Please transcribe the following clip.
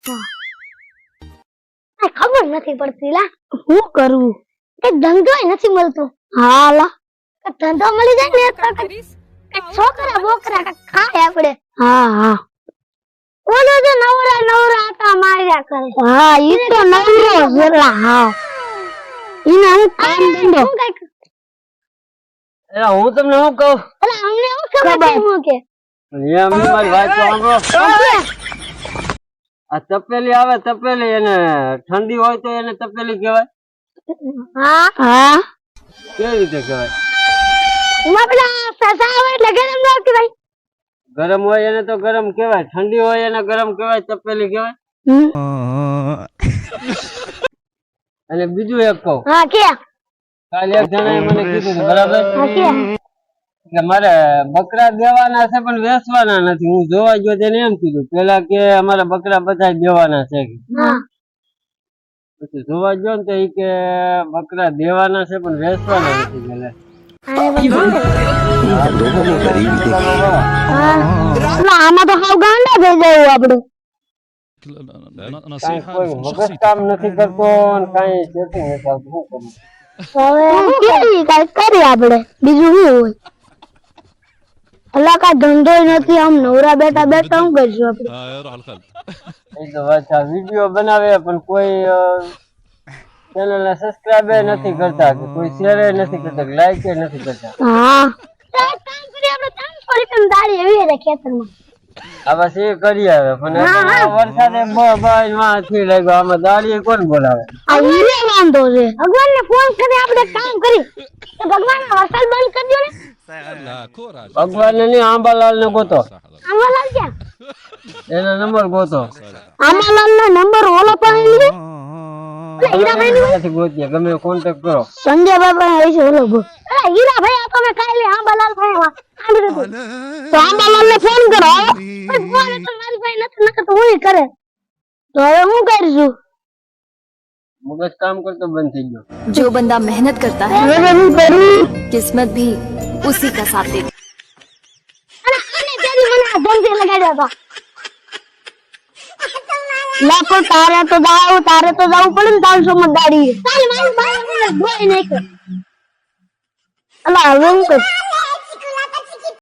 આ ખબર નથી પડતી લા શું કરવું એક ધંધો નથી મળતો હા લા ધંધો મળી જાય ને તો છોકરા બોકરા ખાય આપણે હા ઓલો જે નવરા આટા માર્યા કરે હા ઈ તો નવરો જરા હા ઈને હું કામ ધંધો એલા હું તમને શું કહું અલા અમને શું ખબર હું કે એમ મારી વાત તો સાંભળો આ તપેલી આવે તપેલી એને ઠંડી હોય તો એને તપેલી કહેવાય હા કેવી રીતે કહેવાય એમાં પેલા સસા હોય એટલે ગરમ ન કહેવાય ગરમ હોય એને તો ગરમ કહેવાય ઠંડી હોય એને ગરમ કહેવાય તપેલી કહેવાય અને બીજું એક કહું હા કે કાલે એક જણાએ મને કીધું હતું, બરાબર હા કે કે મારે બકરા દેવાના છે પણ વેચવાના નથી હું જોવા ગયો તેને એમ કીધું પેલા કે અમારા બકરા બધા દેવાના છે હા પછી જોવા ગયો ને તો ઈ કે બકરા દેવાના છે પણ વેચવાના નથી પેલા આમાં તો હાવ ગાંડા થઈ જાય આપડે કાંઈ કોઈ મગજ કામ નથી કરતો ને કાંઈ સેટિંગ નથી આવતું શું કરું હવે કઈ કરીએ આપડે બીજું શું હોય અલા કઈ ધંધો નથી આમ નવરા બેઠા શું કરશું આપડે એ તો વાત આ વિડીયો બનાવે પણ કોઈ ચેનલ ને સબસ્ક્રાઇબ નથી કરતા કે કોઈ શેર નથી કરતા લાઈક નથી કરતા હા કામ કરીએ આપણે 300 રૂપિયા દાડી એવી રે ખેતરમાં આ બસ એ કરી આવે પણ આ વરસાદે બાય માંથી લાગ્યો આમાં દાડી કોણ બોલાવે આ ઈને વાંધો છે ભગવાનને ફોન કરી આપણે કામ કરી તો ભગવાન વરસાદ બંધ કરી દો ને ભગવાન ને નહીં આંબાલાલ ને ગોતો આમાલાલ ક્યાં એનો નંબર ગોતો આમાલાલ નો નંબર ઓલો પાસે હીરાભાઈ ગોતીએ ગમે કોન્ટેક્ટ કરો સંજય બાબા હશે ઓલો ગો અરે હીરાભાઈ આ તમે કાલે આંબાલાલ ભાઈ તો આંબાલાલ ને ફોન કરો ફોન તો મારી ભાઈ નથી નકર તો હું કરે તો હવે હું કરીશું મગજ કામ કરતો બંધ થઈ ગયો जो बंदा मेहनत करता है किस्मत भी उसी का साथ देती અને તેરી મને આ ધંધે લગાડ્યો હતો લાખો તારે તો જાવું પડે ને 300 માં દાડી ચાલ મારી બાય મને ધોઈ નાખ અલા હવે હું કર